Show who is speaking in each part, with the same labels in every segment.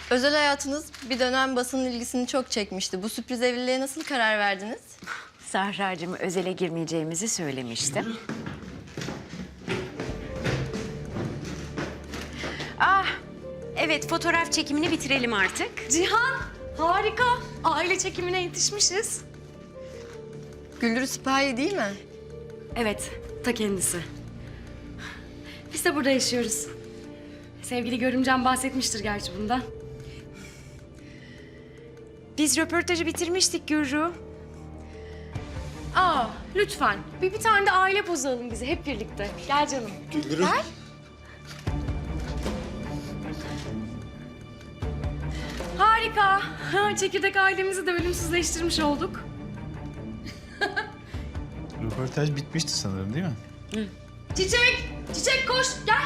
Speaker 1: Özel hayatınız bir dönem basının ilgisini çok çekmişti. Bu sürpriz evliliğe nasıl karar verdiniz?
Speaker 2: Sahra'cığım özele girmeyeceğimizi söylemiştim. Evet, fotoğraf çekimini bitirelim artık.
Speaker 3: Cihan, harika. Aile çekimine yetişmişiz.
Speaker 1: Güldürü Sipahi değil mi?
Speaker 3: Evet, ta kendisi. Biz de burada yaşıyoruz. Sevgili görümcem bahsetmiştir gerçi bundan.
Speaker 2: Biz röportajı bitirmiştik Gürru.
Speaker 3: Lütfen. Bir tane de aile pozu alın bize hep birlikte. Gel canım.
Speaker 4: Güldürü.
Speaker 3: Gel. Harika. Çekirdek ailemizi de ölümsüzleştirmiş olduk.
Speaker 4: Röportaj bitmişti sanırım değil mi?
Speaker 3: Çiçek! Çiçek koş! Gel!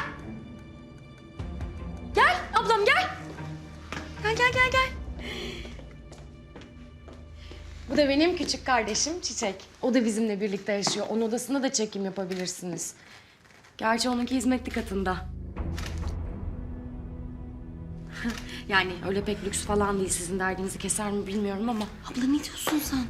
Speaker 3: Gel ablam gel! Gel. Bu da benim küçük kardeşim Çiçek. O da bizimle birlikte yaşıyor. Onun odasında da çekim yapabilirsiniz. Gerçi onunki hizmetli katında. Yani öyle pek lüks falan değil. Sizin derdinizi keser mi bilmiyorum ama. Abla ne diyorsun sen?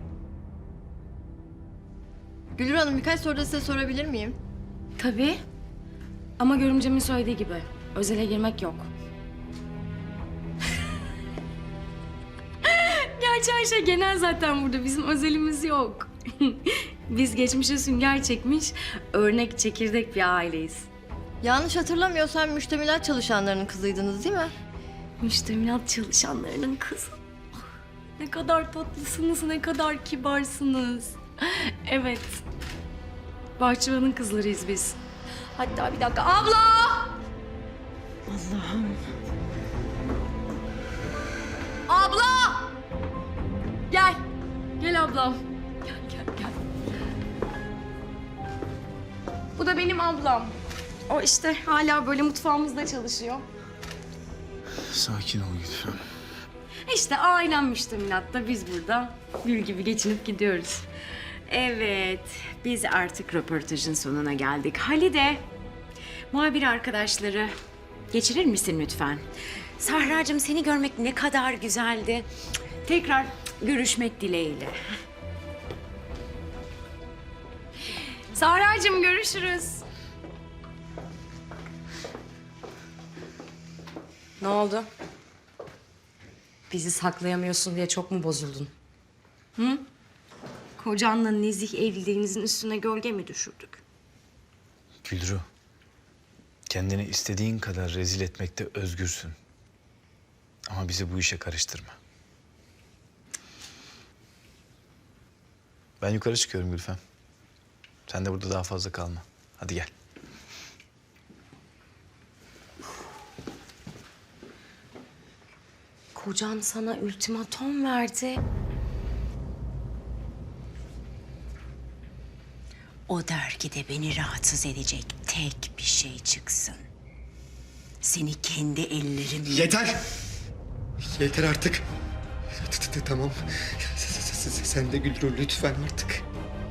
Speaker 1: Güldür Hanım birkaç soru da size sorabilir miyim?
Speaker 3: Tabii. Ama görümcemin söylediği gibi özele girmek yok. Gerçi her şey genel zaten burada. Bizim özelimiz yok. Biz geçmişe sünger çekmiş, örnek çekirdek bir aileyiz.
Speaker 1: Yanlış hatırlamıyorsam müştemilat çalışanlarının kızıydınız değil mi?
Speaker 3: Müştemilat çalışanlarının kızı. Ne kadar tatlısınız, ne kadar kibarsınız. Evet. Bahçıvanın kızlarıyız biz. Hatta bir dakika. Abla!
Speaker 2: Allah'ım.
Speaker 3: Abla! Gel. Gel ablam. Gel. Bu da benim ablam. O işte hala böyle mutfağımızda çalışıyor.
Speaker 4: Sakin ol lütfen.
Speaker 3: İşte ailem müştemilatta, biz burada gül gibi geçinip gidiyoruz.
Speaker 2: Evet, biz artık röportajın sonuna geldik. Halide, muhabir arkadaşları geçirir misin lütfen? Sahra'cığım seni görmek ne kadar güzeldi. Tekrar görüşmek dileğiyle.
Speaker 3: Sahra'cığım görüşürüz. Ne oldu? Bizi saklayamıyorsun diye çok mu bozuldun? Hı? Kocanla nezih evliliğinizin üstüne gölge mi düşürdük?
Speaker 4: Güldürü. Kendini istediğin kadar rezil etmekte özgürsün. Ama bizi bu işe karıştırma. Ben yukarı çıkıyorum Gülfem. Sen de burada daha fazla kalma. Hadi gel.
Speaker 3: Kocan sana ultimatom verdi.
Speaker 2: O dergide beni rahatsız edecek tek bir şey çıksın. Seni kendi ellerimle...
Speaker 5: Yeter! Yeter artık. Tamam. Sen de Güldür lütfen artık.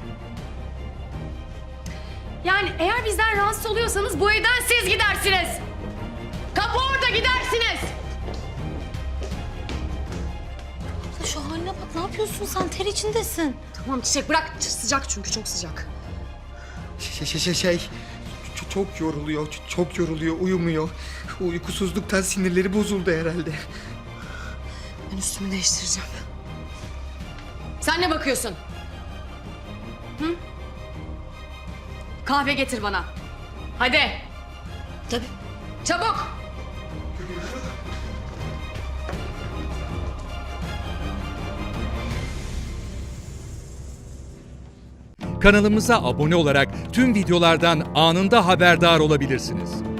Speaker 3: Yani eğer bizden rahatsız oluyorsanız bu evden siz gidersiniz. Kapı orada, gidersiniz.
Speaker 6: Şu haline bak, ne yapıyorsun sen? Ter içindesin.
Speaker 3: Tamam Çiçek bırak. Sıcak çünkü, çok sıcak.
Speaker 5: Çok yoruluyor, uyumuyor. Uykusuzluktan sinirleri bozuldu herhalde.
Speaker 3: Ben üstümü değiştireceğim. Sen ne bakıyorsun? Hı? Kahve getir bana. Hadi.
Speaker 6: Tabii.
Speaker 3: Çabuk.
Speaker 7: Kanalımıza abone olarak tüm videolardan anında haberdar olabilirsiniz.